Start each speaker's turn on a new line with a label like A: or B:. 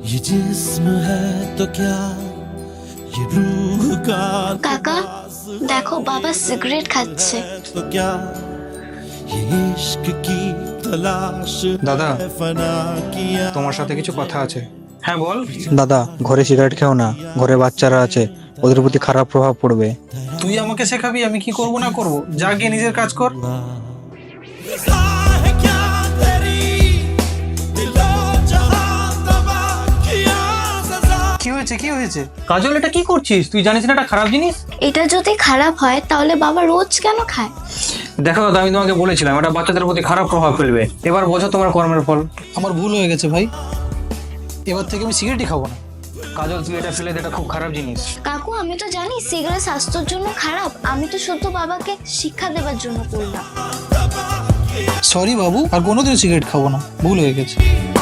A: ये जिस्म है तो क्या ये रूह का
B: কাকা দেখো বাবা সিগারেট খাচ্ছে।
A: तो क्या ये इश्क की तलाश
C: दादा।
A: है फना किया
C: তোমার সাথে কিছু কথা আছে। হ্যাঁ বল।
D: দাদা ঘরে সিগারেট খেও না, ঘরে বাচ্চারা আছে, ওদের প্রতি খারাপ প্রভাব পড়বে।
C: তুই আমাকে শেখাবি আমি কি করব না করব? যা গিয়ে নিজের কাজ কর।
A: रज़ा है क्या तेरी दिलो जहां तबाह किया सज़ा
C: কি হয়েছে কি হয়েছে? কাজল এটা কি করছিস? তুই জানিস না এটা খারাপ জিনিস?
B: এটা যদি খারাপ হয় তাহলে বাবা রোজ কেন খায়?
C: দেখো দাদা আমি তোমাকে বলেছিলাম এটা বাচ্চাদের প্রতি খারাপ প্রভাব ফেলবে। এবার বোঝো তোমার কর্মের ফল। আমার ভুল হয়ে গেছে ভাই, এবার থেকে আমি সিগারেটই খাবো না। কাজল তুই এটা ফেলে দে, এটা খুব খারাপ জিনিস।
B: কাকু আমি তো জানি সিগারেট স্বাস্থ্যের জন্য খারাপ, আমি তো শুধু বাবাকে শিক্ষা দেওয়ার জন্য করলাম।
C: সরি বাবু, আর কোনোদিন সিগারেট খাবো না, ভুল হয়ে গেছে।